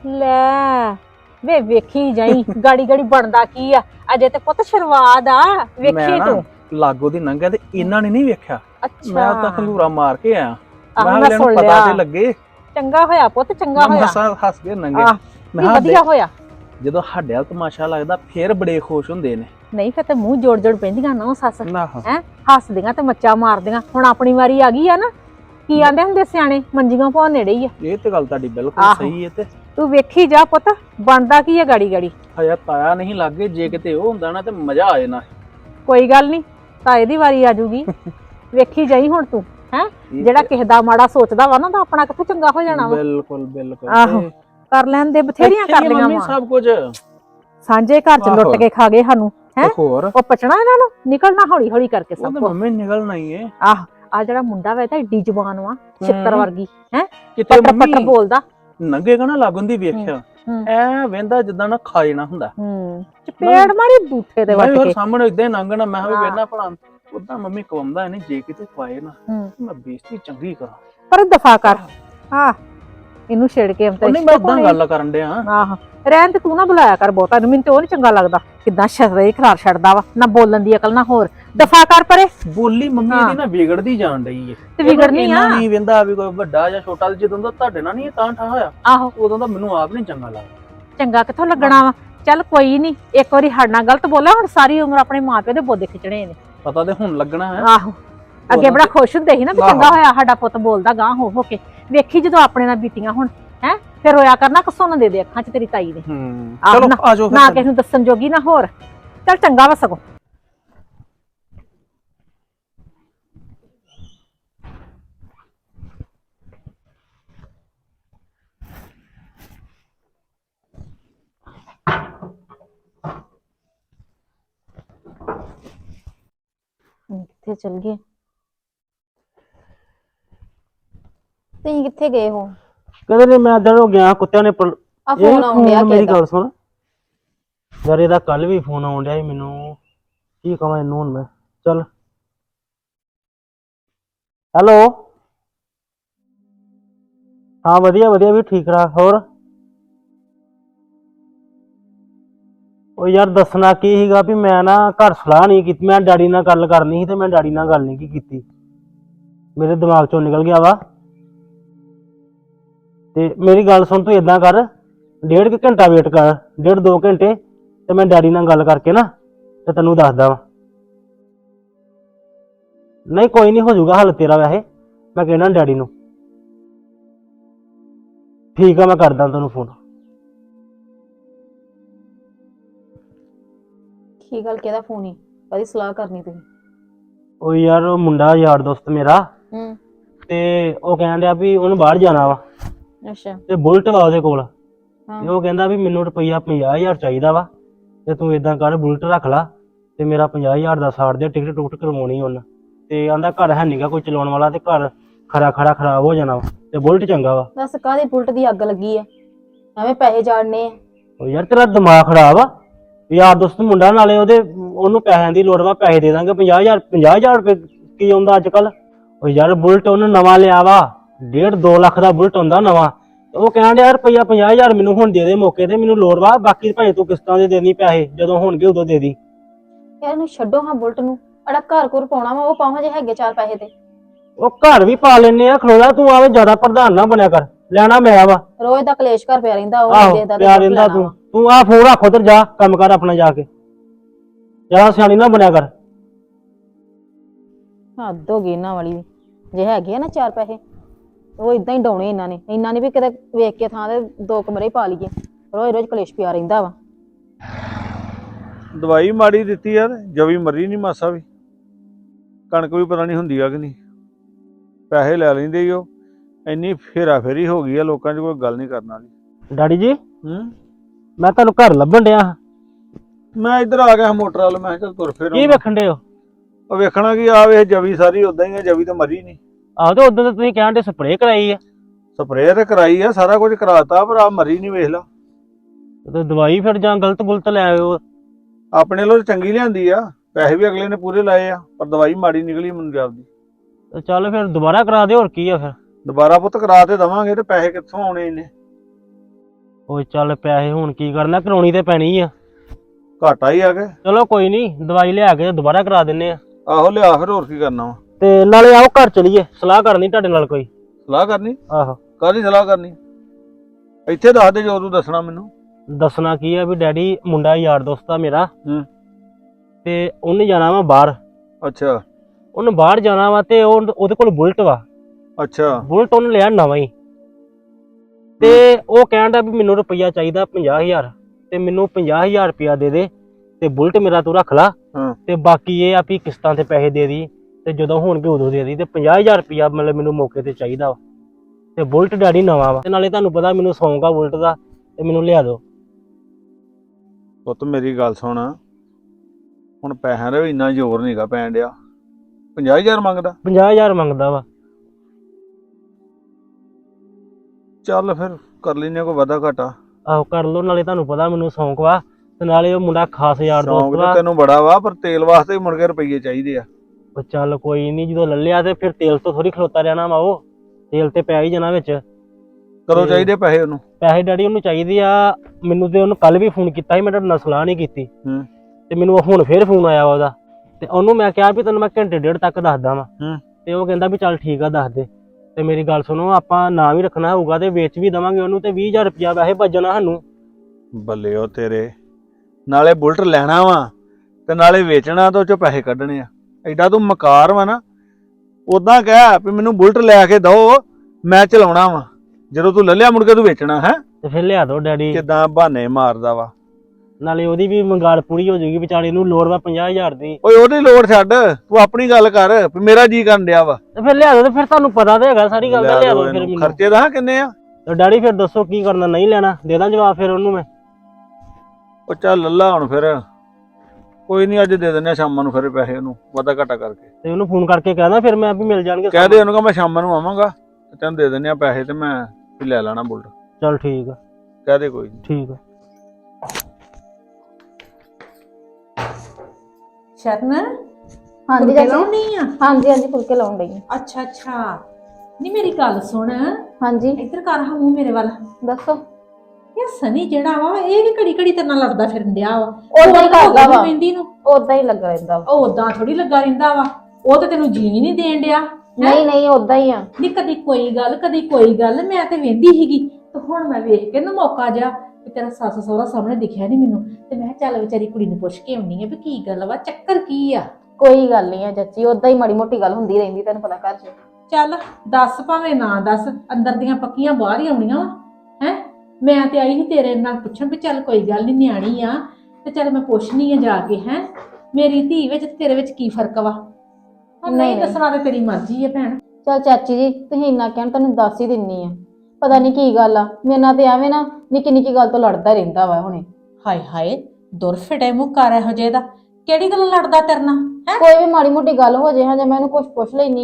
ਲੈ ਵੇ ਵੇਖੀ ਜਾਈ ਗਾੜੀ ਗਾੜੀ ਬਣਦਾ ਕੀ ਆ। ਅਜੇ ਤੇ ਪੁੱਤ ਸ਼ੁਰੂਆਤ ਆ, ਵੇਖੀ ਤੂੰ। ਲਾਗੋ ਦੀ ਲੰਘਿਆ ਤੇ ਇਹਨਾਂ ਨੇ ਨਹੀਂ ਵੇਖਿਆ। ਅੱਛਾ ਮੈਂ ਤਾਂ ਖੰਗੂਰਾ ਮਾਰ ਕੇ ਆਇਆ। ਮੈਂ ਮੈਂ ਇਹਨੂੰ ਪਤਾ ਤੇ ਲੱਗੇ। ਚੰਗਾ ਹੋਇਆ ਪੁੱਤ, ਚੰਗਾ ਹੋਇਆ। ਹੱਸ ਕੇ ਲੰਘਿਆ। ਮੈਂ ਵਧੀਆ ਹੋਇਆ। ਜਦੋਂ ਸਾਡੇ ਵਾਲ ਤਮਾਸ਼ਾ ਲੱਗਦਾ ਫੇਰ ਬੜੇ ਖੁਸ਼ ਹੁੰਦੇ ਨੇ। ਨਹੀਂ ਫਿਰ ਤੇ ਮੂੰਹ ਜੋੜ ਜੋੜ ਪੈਂਦੀਆਂ ਨਾ ਸੱਸ ਹੈ, ਹੱਸਦੀਆਂ ਤੇ ਮੱਚਾ ਮਾਰਦੀਆਂ। ਹੁਣ ਆਪਣੀ ਵਾਰੀ ਆ ਗਈ ਆ ਨਾ, ਕੀ ਆਂਦੇ ਹੁੰਦੇ ਸਿਆਣੇ, ਮੰਜੀਆਂ ਪਾਉਣ ਨੇੜੇ ਹੀ ਆ। ਇਹ ਤੇ ਗੱਲ ਤੁਹਾਡੀ ਬਿਲਕੁਲ ਸਹੀ ਹੈ। ਤੇ ਤੂੰ ਵੇਖੀ ਜਾ ਪੁੱਤ ਬਣਦਾ ਕੀ ਆ ਗਾੜੀ ਗਾੜੀ। ਹਜਾ ਤਾਇਆ ਨਹੀਂ ਲੱਗੇ, ਜੇ ਕਿਤੇ ਉਹ ਹੁੰਦਾ ਨਾ ਤੇ ਮਜ਼ਾ ਆ ਜਾਣਾ। ਕੋਈ ਗੱਲ ਨਹੀਂ, ਤਾਏ ਦੀ ਵਾਰੀ ਆ ਜੂਗੀ। ਵੇਖੀ ਜਾਈ ਹੁਣ ਤੂੰ ਹੈ। ਜਿਹੜਾ ਕਿਸੇ ਦਾ ਮਾੜਾ ਸੋਚਦਾ ਵਾ ਨਾ ਤਾਂ ਆਪਣਾ ਕਿੱਥੇ ਚੰਗਾ ਹੋ ਜਾਣਾ ਵਾ। ਬਿਲਕੁਲ ਬਿਲਕੁਲ। ਆਹੋ ਕਰ ਲੈਣ ਦੇ, ਬਥੇਰੀਆਂ ਕਰ ਲਈਆਂ ਵਾ ਸਭ ਕੁਝ। ਸਾਂਝੇ ਘਰ ਚ ਲੁੱਟ ਕੇ ਖਾ ਗਏ ਸਾਨੂੰ ਹੈ। ਹੋਰ ਉਹ ਪਚਣਾ ਇਹਨਾਂ ਨੂੰ, ਨਿਕਲਣਾ ਹੌਲੀ ਹੌਲੀ ਕਰਕੇ ਸਭ ਕੁਝ। ਮੰਮੀ ਨਿਕਲਣਾ ਹੀ ਏ। ਆਹ ਆ ਜਿਹੜਾ ਮੁੰਡਾ ਵਾ ਤਾਂ ਏਡੀ ਜ਼ੁਬਾਨ ਵਾ, ਛਿੱਤਰ ਵਰਗੀ ਹੈ। ਕਿਤੇ ਪੱਟਰ ਬੋਲਦਾ। ਨੰਗੇਗਾ ਨਾ ਲਾਗੋਂ ਦੀ ਵੇਖਿਆ ਐ ਵੇਂਦਾ ਜਿੱਦਾਂ ਨਾ ਖਾ ਜਾਣਾ ਹੁੰਦਾ। ਚਪੇੜ ਮਾਰੀ ਬੂਥੇ ਦੇ ਵੱਟ ਕੇ ਕੇ। ਸਾਹਮਣੇ ਇਦਾਂ ਲੰਘਣਾ। ਮੈਂ ਵੀ ਵੇਖਣਾ ਭਲਾ ਉਦਾਂ ਮੰਮੀ ਕਵਾਉਂਦਾ ਨਹੀਂ, ਜੇ ਕਿਤੇ ਪਾਏ ਨਾ ਮੈਂ ਬੇਇੱਜ਼ਤੀ ਚੰਗੀ ਕਰਾਂ। ਪਰ ਦਫਾ ਕਰ। ਹਾਂ ਇਹਨੂੰ ਛੇੜ ਕੇ ਅੰਤਰ ਨਹੀਂ, ਮੈਂ ਉਦਾਂ ਗੱਲ ਕਰਨ ਡਿਆ। ਆਹ ਰਹਿਣ ਤੇ ਤੂੰ ਨਾ ਬੁਲਾਇਆ ਕਰ ਬਹੁਤਾ, ਮੈਨੂੰ ਤੇ ਉਹ ਨੀ ਚੰਗਾ ਲੱਗਦਾ। ਕਿੱਦਾਂ ਸ਼ਰਰੇ ਖਲਾਰ ਛੱਡਦਾ ਵਾ, ਨਾ ਬੋਲਣ ਦੀ ਅਕਲ ਨਾ ਹੋਰ। ਦਫਾ ਕਰ ਪਰੇ। ਬੋਲੀ ਮੰਮੀ ਇਹਦੀ ਨਾ ਵਿਗੜਦੀ ਜਾਣ ਡਈ ਏ। ਤੇ ਵਿਗੜਨੀ ਆ ਨਹੀਂ ਵੇਂਦਾ ਵੀ ਕੋਈ ਵੱਡਾ ਜਾਂ ਛੋਟਾ, ਜਦੋਂ ਦਾ ਤੁਹਾਡੇ ਨਾਲ ਨਹੀਂ ਤਾਂ ਠਾ ਹੋਇਆ ਆਹੋ ਉਦੋਂ ਦਾ ਮੈਨੂੰ ਆਪ ਨਹੀਂ ਚੰਗਾ ਲੱਗਦਾ। ਚੰਗਾ ਕਿੱਥੋਂ ਲੱਗਣਾ ਵਾ। ਚੱਲ ਕੋਈ ਨਹੀਂ, ਇੱਕ ਵਾਰੀ ਸਾਡੇ ਨਾਲ ਗਲਤ ਬੋਲਿਆ, ਹੁਣ ਸਾਰੀ ਉਮਰ ਆਪਣੇ ਮਾਪਿਓ ਦੇ ਬੋਦੇ ਖਿੱਚਣੇ ਨੇ। ਪਤਾ ਤੇ ਹੁਣ ਲੱਗਣਾ ਹੈ। ਆਹੋ ਅੱਗੇ ਬੜਾ ਖੁਸ਼ ਹੁੰਦੇ ਸੀ ਨਾ ਵੀ ਚੰਗਾ ਹੋਇਆ ਸਾਡਾ ਪੁੱਤ ਬੋਲਦਾ ਗਾਂ ਹੋ ਕੇ। ਵੇਖੀ ਜਦੋਂ ਆਪਣੇ ਨਾਲ ਬੀਤੀਆਂ ਹੁਣ ਹੈ, ਫਿਰ ਰੋਇਆ ਕਰਨਾ ਕਸੋਂ ਦੇ ਅੱਖਾਂ 'ਚ ਤੇਰੀ ਤਾਈ ਦੇ। ਚਲੋ ਆਜੋ ਨਾ ਕਿਸੇ ਨੂੰ ਦੱਸਣ ਜੋਗੀ ਨਾ ਹੋਰ। ਚੱਲ ਚੰਗਾ ਵਾ ਸਗੋਂ। ਕਿੱਥੇ ਚਲ ਗਏ ਤੁਸੀਂ? ਕਿੱਥੇ ਗਏ ਹੋ? ਕਹਿੰਦੇ ਨੇ ਮੈਂ ਇੱਧਰ ਹੋ ਗਿਆ, ਕੁੱਤਿਆਂ ਨੇ ਆ ਫੋਨ ਆਉਣ ਡਿਆ ਮੇਰੀ ਗੱਲ ਸੁਣ ਯਾਰ, ਇਹਦਾ ਕੱਲ ਵੀ ਫੋਨ ਆਉਣ ਡਿਆ ਸੀ ਮੈਨੂੰ। ਕੀ ਕਹਾਂ ਇਹਨੂੰ ਹੁਣ ਮੈਂ। ਚੱਲ ਹੈਲੋ। ਹਾਂ ਵਧੀਆ ਵਧੀਆ ਵੀ ਠੀਕ ਰਾ। ਹੋਰ ਉਹ ਯਾਰ ਦੱਸਣਾ ਕੀ ਸੀਗਾ ਵੀ ਮੈਂ ਨਾ ਘਰ ਸਲਾਹ ਨਹੀਂ ਕੀਤੀ। ਮੈਂ ਡੈਡੀ ਨਾਲ ਗੱਲ ਕਰਨੀ ਸੀ ਤੇ ਮੈਂ ਡੈਡੀ ਨਾਲ ਗੱਲ ਨਹੀਂ ਕੀਤੀ, ਮੇਰੇ ਦਿਮਾਗ ਚੋਂ ਨਿਕਲ ਗਿਆ ਵਾ। ਤੇ ਮੇਰੀ ਗੱਲ ਸੁਣ, ਤੂੰ ਏਦਾਂ ਕਰ, 1.5 ਘੰਟਾ ਵੇਟ ਕਰ, 1.5-2 ਘੰਟੇ, ਤੇ ਮੈਂ ਡੈਡੀ ਨਾਲ ਗੱਲ ਕਰਕੇ ਨਾ ਤੇ ਤੈਨੂੰ ਦੱਸਦਾ ਵਾ। ਨਹੀਂ ਕੋਈ ਨਹੀਂ, ਹੋ ਜਾਊਗਾ ਹੱਲ ਤੇਰਾ। ਵੈਸੇ ਮੈਂ ਕਹਿਣਾ ਡੈਡੀ ਨੂੰ। ਠੀਕ ਆ, ਮੈਂ ਕਰਦਾ ਤੈਨੂੰ ਫੋਨ। ਕੀ ਗੱਲ, ਕਿਹਦਾ ਫੋਨ ਹੀ? ਕਾਹਦੀ ਸਲਾਹ ਕਰਨੀ ਤੁਸੀਂ? ਉਹ ਯਾਰ ਉਹ ਮੁੰਡਾ ਯਾਰ ਦੋਸਤ ਮੇਰਾ, ਤੇ ਉਹ ਕਹਿਣ ਡਿਆ ਵੀ ਉਹਨੂੰ ਬਾਹਰ ਜਾਣਾ ਵਾ। ਅੱਛਾ। ਤੇ ਬੁਲਟ ਵਾ ਉਹਦੇ ਕੋਲ। ਤੇ ਉਹ ਕਹਿੰਦਾ ਵੀ ਮੈਨੂੰ ਰੁਪਈਆ 50,000 ਚਾਹੀਦਾ ਵਾ, ਤੇ ਤੂੰ ਏਦਾਂ ਕਰ ਬੁਲਟ ਰੱਖ ਲਾ ਤੇ ਮੇਰਾ 50,000 ਦਾ ਸਾੜ ਦੇ। ਟਿਕਟ ਟੁਕਟ ਕਰਵਾਉਣੀ ਉਹਨੇ। ਤੇ ਆਂਦਾ ਘਰ ਹੈ ਨੀਗਾ ਕੋਈ ਚਲਾਉਣ ਵਾਲਾ, ਤੇ ਘਰ ਖਰਾ ਖਰਾਬ ਹੋ ਜਾਣਾ ਵਾ, ਤੇ ਬੁਲਟ ਚੰਗਾ ਵਾ। ਦੱਸ ਕਾਹਦੀ ਬੁਲਟ ਦੀ ਅੱਗ ਲੱਗੀ ਆ? ਐਵੇਂ ਪੈਸੇ ਜਾੜਨੇ ਆ। ਉਹ ਯਾਰ ਤੇਰਾ ਦਿਮਾਗ ਖਰਾਬ ਆ। ਯਾਰ ਦੋਸਤ ਮੁੰਡਾ ਨਾਲੇ ਉਹਨੂੰ ਪੈਸਿਆਂ ਦੀ ਲੋੜ ਵਾ, ਪੈਸੇ ਦੇ ਦਾਂਗੇ 50,000 ਰੁਪਏ ਕੀ ਆਉਂਦਾ ਅੱਜ ਕੱਲ। ਉਹ ਯਾਰ ਬੁਲਟ ਉਹਨੇ ਨਵਾਂ ਲਿਆ ਵਾ, 1.5-2 ਲੱਖ ਦਾ ਬੁਲਟ ਹੁੰਦਾ ਨਵਾਂ। ਉਹ ਕਹਿਣ ਡਿਆ ਰੁਪਈਆ 50,000 ਮੈਨੂੰ ਹੁਣ ਦੇ ਦੇ ਮੌਕੇ ਤੇ, ਮੈਨੂੰ ਲੋੜ ਵਾ, ਬਾਕੀ ਭਾਵੇਂ ਤੂੰ ਕਿਸ਼ਤਾਂ ਦੇ ਦੇਣੀ ਪੈਸੇ, ਜਦੋਂ ਹੋਣਗੇ ਉਦੋਂ ਦੇ ਦੀ। ਯਾਰ ਇਹਨੂੰ ਛੱਡੋ ਹਾਂ ਬੁਲਟ ਨੂੰ, ਅੜਾ ਘਰ ਘੁਰ ਪਾਉਣਾ ਵਾ, ਉਹ ਪਾਵਾਂ ਜੇ ਹੈਗੇ 4 ਪੈਸੇ ਤੇ। ਉਹ ਘਰ ਵੀ ਪਾ ਲੈਨੇ ਆ, ਖਲੋਦਾ ਤੂੰ ਆਵੇਂ ਜ਼ਿਆਦਾ ਪ੍ਰਧਾਨ ਨਾ ਬਣਿਆ ਕਰ, ਲੈਣਾ ਮੈਂ ਵਾ। ਰੋਜ਼ ਦਾ ਕਲੇਸ਼ ਘਰ ਪਿਆ ਰਹਿੰਦਾ, ਉਹ ਆਹੋ ਦੇਖਦਾ ਪਿਆ ਰਹਿੰਦਾ ਤੂੰ ਆਹ ਫੋਨ ਰੱਖ ਉਧਰ, ਜਾ ਕੰਮ ਕਰ ਆਪਣਾ ਜਾ ਕੇ, ਜ਼ਿਆਦਾ ਸਿਆਣੀ ਨਾ ਬਣਿਆ ਕਰ। ਹੱਦ ਹੋ ਗਈ ਇਹਨਾਂ ਵਾਲੀ ਵੀ। ਜੇ ਹੈਗੇ ਆ ਨਾ 4 ਪੈਸੇ ਉਹ ਇਦਾਂ ਹੀ ਡਾਉਣੇ ਇਹਨਾਂ ਨੇ ਵੀ ਕਿਤੇ ਵੇਖ ਕੇ ਥਾਂ ਤੇ 2 ਕਮਰੇ ਹੀ ਪਾ ਲਈਏ। ਰੋਜ਼ ਰੋਜ਼ ਕਲੇਸ਼ ਪਿਆ ਰਹਿੰਦਾ ਵਾ। ਦਵਾਈ ਮਾੜੀ ਦਿੱਤੀ ਯਾਰ, ਜਵੀ ਮਰੀ ਨਹੀਂ ਮਾਸਾ ਵੀ। ਕਣਕ ਵੀ ਪਤਾ ਨਹੀਂ ਹੁੰਦੀ ਆ ਕਿ ਨਹੀਂ, ਪੈਸੇ ਲੈ ਲੈਂਦੇ ਹੀ ਉਹ। ਇੰਨੀ ਫੇਰਾ ਫੇਰੀ ਹੋ ਗਈ ਆ ਲੋਕਾਂ 'ਚ, ਕੋਈ ਗੱਲ ਨਹੀਂ ਕਰਨ ਵਾਲੀ। ਡੈਡੀ ਜੀ ਹੂੰ, ਮੈਂ ਤੁਹਾਨੂੰ ਘਰ ਲੱਭਣ ਡਿਆ ਹਾਂ। ਮੈਂ ਇੱਧਰ ਆ ਗਿਆ ਮੋਟਰ ਵਾਲ, ਮੈਂ ਕਿਹਾ ਚੱਲ ਤੁਰ ਫਿਰ ਕੀ ਵੇਖਣ ਡੇ ਹੋ? ਉਹ ਵੇਖਣਾ ਕੀ ਆ, ਵੇ ਜਵੀ ਸਾਰੀ ਉਦਾਂ ਹੀ ਆ, ਜਵੀ ਤਾਂ ਮਰੀ ਨਹੀਂ। ਆਹੋ ਤੇ ਉਦੋਂ ਤਾਂ ਤੁਸੀਂ ਕਹਿਣ ਡੇ ਸਪਰੇਅ ਕਰਾਈ ਆ। ਸਪਰੇਅ ਤੇ ਕਰਾਈ ਆ, ਸਾਰਾ ਕੁਝ ਕਰਾਤਾ, ਪਰ ਆ ਮਰੀ ਨਹੀਂ, ਵੇਖ ਲਾ। ਤੇ ਦਵਾਈ ਫਿਰ ਜਾਂ ਗਲਤ ਗੁਲਤ ਲੈ ਆਇਓ। ਆਪਣੇ ਲੋ ਚੰਗੀ ਲਿਆਂਦੀ ਆ, ਪੈਸੇ ਵੀ ਅਗਲੇ ਨੇ ਪੂਰੇ ਲਾਏ ਆ, ਪਰ ਦਵਾਈ ਮਾੜੀ ਨਿਕਲੀ ਮੈਨੂੰ ਜਾਪਦੀ। ਤੇ ਚੱਲ ਫਿਰ ਦੁਬਾਰਾ ਕਰਾ ਦੇ, ਹੋਰ ਕੀ ਆ ਫਿਰ। ਦੁਬਾਰਾ ਪੁੱਤ ਕਰਾ ਤੇ ਦਵਾਂਗੇ, ਤੇ ਪੈਸੇ ਕਿੱਥੋਂ ਆਉਣੇ ਇਹਨੇ। ਉਹ ਚੱਲ ਪੈਸੇ ਹੁਣ ਕੀ ਕਰਨਾ, ਕਰਾਉਣੀ ਤੇ ਪੈਣੀ ਆ। ਘਾਟਾ ਹੀ ਆ ਕੇ। ਚਲੋ ਕੋਈ ਨਹੀਂ, ਦਵਾਈ ਲਿਆ ਕੇ ਦੁਬਾਰਾ ਕਰਾ ਦਿੰਨੇ ਆ। ਆਹੋ ਲਿਆ ਫਿਰ, ਹੋਰ ਕੀ ਕਰਨਾ ਵਾ। ਤੇ ਨਾਲੇ ਆਓ ਘਰ ਚਲੀਏ, ਸਲਾਹ ਕਰਨੀ ਤੁਹਾਡੇ ਨਾਲ ਕੋਈ। ਸਲਾਹ ਕਰਨੀ? ਆਹੋ ਕਾਹਦੀ ਸਲਾਹ ਕਰਨੀ? ਇੱਥੇ ਦੱਸ ਦੇ ਜੋ ਤੂੰ ਦੱਸਣਾ ਮੈਨੂੰ। ਦੱਸਣਾ ਕੀ ਆ ਵੀ ਡੈਡੀ, ਮੁੰਡਾ ਯਾਰ ਦੋਸਤ ਆ ਮੇਰਾ, ਹੂੰ, ਤੇ ਉਹਨੇ ਜਾਣਾ ਵਾ ਬਾਹਰ। ਅੱਛਾ ਉਹਨੇ ਬਾਹਰ ਜਾਣਾ ਵਾ ਤੇ ਉਹਦੇ ਕੋਲ ਬੁਲਟ ਵਾ। ਅੱਛਾ। ਬੁਲਟ ਉਹਨੇ ਲਿਆ ਨਵਾਂ ਹੀ, ਤੇ ਉਹ ਕਹਿਣ ਦਾ ਵੀ ਮੈਨੂੰ ਰੁਪਈਆ ਚਾਹੀਦਾ 50,000, ਤੇ ਮੈਨੂੰ 50,000 ਰੁਪਇਆ ਦੇ ਦੇ, ਤੇ ਬੁਲਟ ਮੇਰਾ ਤੂੰ ਰੱਖ ਲਾ, ਹਾਂ। ਤੇ ਬਾਕੀ ਇਹ ਆ ਵੀ ਕਿਸ਼ਤਾਂ ਤੇ ਪੈਸੇ ਦੇ ਦੀ, ਤੇ ਜਦੋਂ ਹੋਣਗੇ ਉਦੋਂ ਦੇ ਦੀ, ਤੇ 50,000 ਰੁਪਇਆ ਮਤਲਬ ਮੈਨੂੰ ਮੌਕੇ ਤੇ ਚਾਹੀਦਾ ਵਾ। ਤੇ ਬੁਲਟ ਡੈਡੀ ਨਵਾਂ ਵਾ, ਤੇ ਨਾਲੇ ਤੁਹਾਨੂੰ ਪਤਾ ਮੈਨੂੰ ਸ਼ੌਂਕ ਆ ਬੁਲਟ ਦਾ, ਤੇ ਮੈਨੂੰ ਲਿਆ ਦਿਓ। ਪੁੱਤ ਮੇਰੀ ਗੱਲ ਸੁਣ, ਹੁਣ ਪੈਸਿਆਂ ਦਾ ਵੀ ਇੰਨਾ ਜ਼ੋਰ ਨਹੀਂਗਾ ਪੈਣ ਡਿਆ। 50,000 ਮੰਗਦਾ? 50,000 ਮੰਗਦਾ ਵਾ। ਚੱਲ ਫਿਰ ਕਰ ਲੈਨੇ ਕੋਈ ਵਾਧਾ ਘਾਟਾ। ਆਹੋ ਕਰ ਲਓ, ਨਾਲੇ ਤੁਹਾਨੂੰ ਪਤਾ ਮੈਨੂੰ ਸ਼ੌਂਕ ਵਾ, ਤੇ ਨਾਲੇ ਉਹ ਮੁੰਡਾ ਖਾਸ ਯਾਰ ਸ਼ੌਂਕ ਦੋਸਤ ਤਾਂ ਵਾ। ਤੈਨੂੰ ਬੜਾ ਵਾ, ਪਰ ਤੇਲ ਵਾਸਤੇ ਮੁੜ ਕੇ ਰੁਪਈਏ ਚਾਹੀਦੇ ਆ। ਉਹ ਚੱਲ ਕੋਈ ਨਹੀਂ, ਜਦੋਂ ਲੈ ਲਿਆ ਤੇ ਫਿਰ ਤੇਲ ਤੋਂ ਥੋੜੀ ਖਲੋਤਾ ਰਹਿਣਾ ਵਾ, ਉਹ ਤੇਲ ਤੇ ਪੈ ਹੀ ਜਾਣਾ ਵਿੱਚ। ਕਦੋਂ ਚਾਹੀਦੇ ਪੈਸੇ ਉਹਨੂੰ? ਪੈਸੇ ਡੈਡੀ ਉਹਨੂੰ ਚਾਹੀਦੇ ਆ, ਮੈਨੂੰ ਤੇ ਉਹਨੂੰ ਕੱਲ ਵੀ ਫੋਨ ਕੀਤਾ ਸੀ, ਮੈਂ ਤੁਹਾਡੇ ਨਾਲ ਸਲਾਹ ਨਹੀਂ ਕੀਤੀ, ਹੂੰ, ਤੇ ਮੈਨੂੰ ਹੁਣ ਫੇਰ ਫੋਨ ਆਇਆ ਵਾ ਉਹਦਾ, ਤੇ ਉਹਨੂੰ ਮੈਂ ਕਿਹਾ ਵੀ ਤੈਨੂੰ ਮੈਂ ਘੰਟੇ ਡੇਢ ਤੱਕ ਦੱਸਦਾ ਵਾ, ਹੂੰ, ਤੇ ਉਹ ਕਹਿੰਦਾ ਵੀ ਚੱਲ ਠੀਕ ਆ ਦੱਸ ਦੇ। ਤੇ ਮੇਰੀ ਗੱਲ ਸੁਣੋ, ਆਪਾਂ ਨਾਂ ਵੀ ਰੱਖਣਾ ਹੋਊਗਾ ਤੇ ਵੇਚ ਵੀ ਦਵਾਂਗੇ ਉਹਨੂੰ, ਤੇ 20,000 ਰੁਪਇਆ ਵੈਸੇ ਭੱਜਣਾ ਸਾਨੂੰ। ਬੱਲੇ ਉਹ ਤੇਰੇ, ਨਾਲੇ ਬੁਲਟ ਲੈਣਾ ਵਾ ਤੇ ਨਾਲੇ ਵੇਚਣਾ, ਤੇ ਉਹ ਚੋਂ ਪੈਸੇ ਕੱਢਣੇ ਆ। ਐਡਾ ਤੂੰ ਮਕਾਰ ਵਾ ਨਾ। ਉਦਾਂ ਕਹਿ ਵੀ ਮੈਨੂੰ ਬੁਲਟ ਲੈ ਕੇ ਦੋ, ਮੈਂ ਚਲਾਉਣਾ ਵਾ, ਜਦੋਂ ਤੂੰ ਲੈ ਲਿਆ ਮੁੜ ਕੇ ਤੂੰ ਵੇਚਣਾ ਹੈ। ਤੇ ਫਿਰ ਲਿਆ ਦੋ ਡੈਡੀ। ਕਿਦਾਂ ਬਹਾਨੇ ਮਾਰਦਾ ਵਾ। ਨਾਲੇ ਉਹਦੀ ਵੀ ਮੰਗਾਲ ਪੂਰੀ ਹੋ ਜਾਊਗੀ, ਵਿਚਾਰੇ ਨੂੰ ਲੋੜ ਵਾ 50,000 ਦੀ। ਓਏ ਉਹਦੀ ਲੋੜ ਛੱਡ, ਤੂੰ ਆਪਣੀ ਗੱਲ ਕਰ ਵੀ ਮੇਰਾ ਜੀ ਕਰਨ ਡਿਆ ਵਾ। ਤੇ ਫਿਰ ਲਿਆ ਦੋ, ਤੇ ਫਿਰ ਤੁਹਾਨੂੰ ਪਤਾ ਤਾਂ ਹੈਗਾ ਸਾਰੀ ਗੱਲ ਦਾ, ਲਿਆ ਦੋ ਫਿਰ ਮੈਨੂੰ। ਖਰਚੇ ਦਾ ਕਿੰਨੇ ਆ? ਤੇ ਡੈਡੀ ਫਿਰ ਦੱਸੋ ਕੀ ਕਰਨਾ, ਨਹੀਂ ਲੈਣਾ ਦੇ ਦਾਂ ਜਵਾਬ ਫਿਰ ਉਹਨੂੰ ਮੈਂ। ਉਹ ਚੱਲ ਲੱਲਾ ਹੁਣ ਫਿਰ, ਕੋਈ ਨਹੀਂ ਅੱਜ ਦੇ ਦਿੰਦੇ ਆ ਸ਼ਾਮਾਂ ਨੂੰ ਫਿਰ ਪੈਸੇ ਉਹਨੂੰ ਵਾਧਾ ਘਾਟਾ ਕਰਕੇ। ਤੇ ਉਹਨੂੰ ਫੋਨ ਕਰਕੇ ਕਹਿਣਾ ਫਿਰ ਮੈਂ ਵੀ ਮਿਲ ਜਾਣਗੇ। ਕਹਿ ਦੇ ਉਹਨੂੰ ਕਿ ਮੈਂ ਸ਼ਾਮਾਂ ਨੂੰ ਆਵਾਂਗਾ ਤੇ ਤੈਨੂੰ ਦੇ ਦਿੰਦੇ ਆ ਪੈਸੇ, ਤੇ ਮੈਂ ਵੀ ਲੈ ਲੈਣਾ ਬੁਲਟ। ਚੱਲ ਠੀਕ ਆ। ਕਹਿ ਦੇ ਕੋਈ ਨੀ। ਠੀਕ ਆ। ਸ਼ਰਨ ਹਾਂਜੀ ਫੁਲਕੇ ਚਾਚੀ। ਲਾਉਣੀ ਆ? ਹਾਂਜੀ ਫੁਲਕੇ ਲਾਉਣ ਡਈ ਆ। ਅੱਛਾ ਨਹੀਂ ਮੇਰੀ ਗੱਲ ਸੁਣ, ਹਾਂਜੀ ਇੱਧਰ ਕਰ ਹਾਂ ਮੂੰਹ ਮੇਰੇ ਵੱਲ। ਦੱਸੋ। ਇਹ ਸਨੀ ਜਿਹੜਾ ਵਾ, ਇਹ ਵੀ ਘੜੀ ਘੜੀ ਤੇ ਨਾਲ ਲੜਦਾ ਫਿਰਨ ਡਿਆ ਵਾ। ਉਦਾਂ ਹੀ ਕਰਦਾ ਵਾ, ਮਹਿੰਦੀ ਨੂੰ ਉਦਾਂ ਹੀ ਲੱਗਾ ਰਹਿੰਦਾ ਵਾ। ਉਹ ਉਦਾਂ ਥੋੜੀ ਲੱਗਾ ਰਹਿੰਦਾ ਵਾ, ਉਹ ਤੇ ਤੈਨੂੰ ਜੀਣ ਹੀ ਨਹੀਂ ਦੇਣ ਡਿਆ। ਨਹੀਂ ਉਦਾਂ ਹੀ ਆ। ਨਹੀਂ ਕਦੀ ਕੋਈ ਗੱਲ, ਕਦੀ ਕੋਈ ਗੱਲ, ਮੈਂ ਤੇ ਵੇਂਦੀ ਸੀਗੀ, ਤੇ ਹੁਣ ਮੈਂ ਵੇਖ ਕੇ ਨਾ ਮੌਕਾ ਜਾ ਵੀ ਤੇਰਾ ਸੱਸ ਸਹੁਰਾ ਸਾਹਮਣੇ ਦਿਖਿਆ ਨਹੀਂ ਮੈਨੂੰ, ਤੇ ਮੈਂ ਚੱਲ ਵਿਚਾਰੀ ਕੁੜੀ ਨੂੰ ਪੁੱਛ ਕੇ ਆਉਣੀ ਆ ਵੀ ਕੀ ਗੱਲ ਵਾ, ਚੱਕਰ ਕੀ ਆ। ਕੋਈ ਗੱਲ ਨਹੀਂ ਆ ਚਾਚੀ, ਉਦਾਂ ਹੀ ਮਾੜੀ ਮੋਟੀ ਗੱਲ ਹੁੰਦੀ ਰਹਿੰਦੀ, ਤੈਨੂੰ ਪਤਾ ਘਰ 'ਚ। ਚੱਲ ਦੱਸ, ਭਾਵੇਂ ਨਾ ਦੱਸ, ਅੰਦਰ ਦੀਆਂ ਪੱਕੀਆਂ ਬਾਹਰ ਹੀ ਆਉਣੀਆਂ ਵਾ। ਹੈ ਮੈਂ ਤੇ ਆਈ ਸੀ ਤੇਰੇ ਨਾਲ ਪੁੱਛਣ ਵੀ ਚੱਲ ਕੋਈ ਗੱਲ ਨਹੀਂ, ਨਿਆਣੀ ਆ ਤੇ ਚੱਲ ਮੈਂ ਪੁੱਛਣੀ ਆ ਜਾ ਕੇ, ਹੈ ਮੇਰੀ ਧੀ ਵਿੱਚ ਤੇਰੇ ਵਿੱਚ ਕੀ ਫਰਕ ਵਾ। ਨਹੀਂ ਦੱਸਣਾ ਤੇ ਤੇਰੀ ਮਰਜ਼ੀ ਆ ਭੈਣ। ਚੱਲ ਚਾਚੀ ਜੀ, ਤੁਸੀਂ ਇੰਨਾ ਕਹਿਣ ਤੈਨੂੰ ਦੱਸ ਹੀ ਦਿੰਨੀ ਆ। ਪਤਾ ਨਹੀਂ ਕੀ ਗੱਲ ਆ, ਮੇਰੇ ਨਾਲ ਤੇ ਐਵੇਂ ਨਾ ਨਿੱਕੀ ਨਿੱਕੀ ਗੱਲ ਤੋਂ ਲੜਦਾ ਰਹਿੰਦਾ ਵਾ ਹੁਣੇ। ਹਾਏ ਹਾਏ, ਦੁਰ ਫਿਟੇ ਮੂੰਹ ਕਰ ਇਹੋ ਜਿਹੇ ਦਾ, ਕਿਹੜੀ ਗੱਲ ਲੜਦਾ ਤੇਰੇ ਨਾਲ ਹੈ? ਕੋਈ ਵੀ ਮਾੜੀ ਮੋਟੀ ਗੱਲ ਹੋ ਜੇ ਹਾਂ, ਜੇ ਮੈਂ ਇਹਨੂੰ ਕੁਝ ਪੁੱਛ ਲੈਣੀ ਆ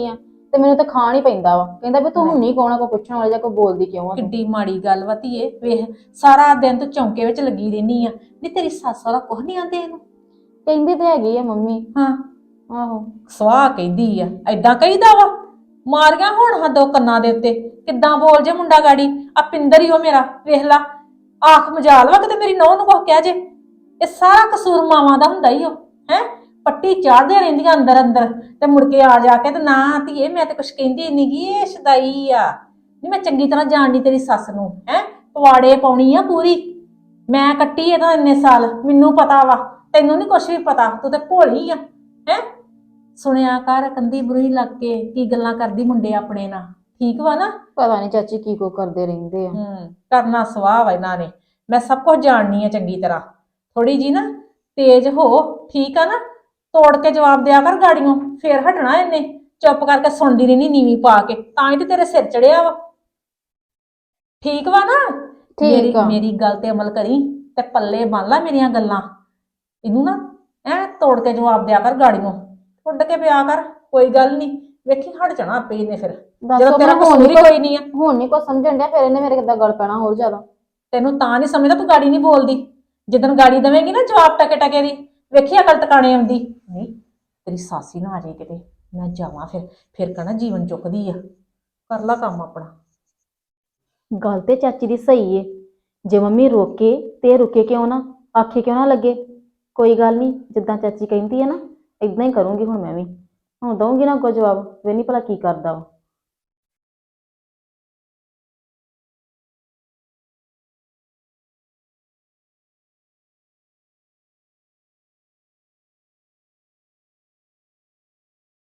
ਤੇ ਮੈਨੂੰ ਤਾਂ ਖਾਣ ਹੀ ਪੈਂਦਾ ਵਾ। ਕਹਿੰਦਾ ਵੀ ਤੂੰ ਹੁੰਨੀ ਕੌਣ ਆ, ਕੋਈ ਪੁੱਛਣ ਵਾਲੀ ਜਾਂ ਕੋਈ ਬੋਲਦੀ ਕਿਉਂ ਆ ਤੂੰ? ਕਿੱਡੀ ਮਾੜੀ ਗੱਲ ਵਾ ਧੀਏ। ਵੇਖ ਸਾਰਾ ਦਿਨ ਤੂੰ ਚੌਂਕੇ ਵਿੱਚ ਲੱਗੀ ਰਹਿਨੀ ਆ, ਨੀ ਤੇਰੀ ਸੱਸ ਵਾਲਾ ਕੁਝ ਨਹੀਂ ਆਂਦੇ ਇਹਨੂੰ। ਕਹਿੰਦੀ ਤੇ ਹੈਗੀ ਆ ਮੰਮੀ। ਹਾਂ ਆਹੋ ਸਵਾਹ ਕਹਿੰਦੀ ਆ, ਐਦਾਂ ਕਹੀਦਾ ਵਾ? ਮਾਰੀਆਂ ਹੁਣ ਹਾਂ ਦੋ ਕੰਨਾਂ ਦੇ ਉੱਤੇ, ਕਿੱਦਾਂ ਬੋਲ ਜੇ ਮੁੰਡਾ ਗਾੜੀ। ਆ ਪਿੰਦਰ ਹੀ ਉਹ ਮੇਰਾ, ਵੇਖ ਲਾ ਆਖ ਮਜਾਲ ਵਾ ਕਿਤੇ ਮੇਰੀ ਨੂੰਹ ਨੂੰ ਕੁਝ ਕਹਿ ਜੇ। ਇਹ ਸਾਰਾ ਕਸੂਰ ਮਾਵਾਂ ਦਾ ਹੁੰਦਾ ਹੀ ਉਹ ਹੈ। ਪੱਟੀ ਚਾੜਦੇ ਰਹਿੰਦੀਆਂ ਅੰਦਰ ਅੰਦਰ, ਤੇ ਮੁੜ ਕੇ ਆ ਜਾ ਕੇ ਤੇ ਨਾ ਧੀਏ ਮੈਂ ਤੇ ਕੁਛ ਕਹਿੰਦੀ ਨੀ ਗੀ, ਇਹ ਸ਼ਦਾਈ ਆ। ਨਹੀਂ ਮੈਂ ਚੰਗੀ ਤਰ੍ਹਾਂ ਜਾਣਦੀ ਤੇਰੀ ਸੱਸ ਨੂੰ ਹੈ, ਪਵਾੜੇ ਪਾਉਣੀ ਆ ਪੂਰੀ। ਮੈਂ ਕੱਟੀ ਇਹਦਾ ਇੰਨੇ ਸਾਲ, ਮੈਨੂੰ ਪਤਾ ਵਾ, ਤੈਨੂੰ ਨਹੀਂ ਕੁਛ ਵੀ ਪਤਾ, ਤੂੰ ਤੇ ਭੋਲੀ ਆ ਹੈ। ਸੁਣਿਆ ਕਰ ਕੰਦੀ ਬੁਰੀ ਲੱਗ ਕੇ ਕੀ ਗੱਲਾਂ ਕਰਦੀ ਮੁੰਡੇ ਆਪਣੇ ਨਾਲ, ਠੀਕ ਵਾ ਨਾ? ਪਤਾ ਨਹੀਂ ਚਾਚੀ ਕੀ ਕੋ ਕਰਦੇ ਰਹਿੰਦੇ ਆ। ਕਰਨਾ ਸਵਾਹ ਵਾ ਇਹਨਾਂ ਨੇ। ਮੈਂ ਸਭ ਕੁਝ ਜਾਣਨੀ ਆ ਚੰਗੀ ਤਰ੍ਹਾਂ। ਥੋੜੀ ਜੀ ਨਾ ਤੇਜ਼ ਹੋ, ਠੀਕ ਆ ਨਾ? ਤੋੜ ਕੇ ਜਵਾਬ ਦਿਆ ਕਰ ਗਾੜੀਆਂ, ਫੇਰ ਹਟਣਾ ਇਹਨੇ। ਚੁੱਪ ਕਰਕੇ ਸੁਣਦੀ ਰਹਿਣੀ ਨੀਵੀਂ ਪਾ ਕੇ, ਤਾਂ ਹੀ ਤੇ ਤੇਰੇ ਸਿਰ ਚੜਿਆ ਵਾ। ਠੀਕ ਵਾ ਨਾ? ਠੀਕ ਆ। ਮੇਰੀ ਗੱਲ ਤੇ ਅਮਲ ਕਰੀ ਤੇ ਪੱਲੇ ਬੰਨ ਲਾ ਮੇਰੀਆਂ ਗੱਲਾਂ। ਇਹਨੂੰ ਨਾ ਤੋੜ ਕੇ ਜਵਾਬ ਦਿਆ ਕਰ ਗਾੜੀਆਂ, ਉੱਡ ਕੇ ਪਿਆ ਕਰ। ਕੋਈ ਗੱਲ ਨਹੀਂ, ਵੇਖੀ ਹਟ ਜਾਣਾ ਆਪੇ ਇਹਨੇ ਫਿਰ, ਜਦੋਂ ਤੇਰਾ ਕਸੂਰ ਹੀ ਕੋਈ ਨਹੀਂ ਆ। ਹੁਣ ਨਹੀਂ ਕੋ ਸਮਝਣ ਡਿਆ, ਫਿਰ ਇਹਨੇ ਮੇਰੇ ਕਿੱਦਾਂ ਗੱਲ ਪੈਣਾ ਹੋਰ ਜ਼ਿਆਦਾ। ਤੈਨੂੰ ਤਾਂ ਨਹੀਂ ਸਮਝਦਾ, ਤੂੰ ਗਾੜੀ ਨਹੀਂ ਬੋਲਦੀ। ਜਿੱਦਣ ਗਾੜੀ ਦੇਵੇਂਗੀ ਨਾ ਜਵਾਬ ਟਕੇ ਟਕੇ ਦੀ, ਵੇਖੀ ਅਕਲ ਟਿਕਾਣੇ ਆਉਂਦੀ ਨਹੀਂ। ਤੇਰੀ ਸਾਸੀ ਨਾ ਆ ਜਾਏ ਕਿਤੇ, ਮੈਂ ਜਾਵਾਂ ਫਿਰ ਕਹਿਣਾ ਜੀਵਨ ਚੁੱਕਦੀ ਆ। ਕਰ ਲਾ ਕੰਮ ਆਪਣਾ। ਗੱਲ ਤੇ ਚਾਚੀ ਦੀ ਸਹੀ ਏ। ਜੇ ਮੰਮੀ ਰੋਕੇ ਤੇ ਰੁਕੇ ਕਿਉਂ ਨਾ, ਆਖੇ ਕਿਉਂ ਨਾ ਲੱਗੇ। ਕੋਈ ਗੱਲ ਨਹੀਂ, ਜਿੱਦਾਂ ਚਾਚੀ ਕਹਿੰਦੀ ਹੈ ਨਾ ਇਦਾਂ ਹੀ ਕਰੂੰਗੀ ਹੁਣ ਮੈਂ ਵੀ। ਹੁਣ ਦਊਂਗੀ ਨਾ ਅੱਗੋਂ ਜਵਾਬ, ਵੇਨੀ ਭਲਾ ਕੀ ਕਰਦਾ ਵਾ।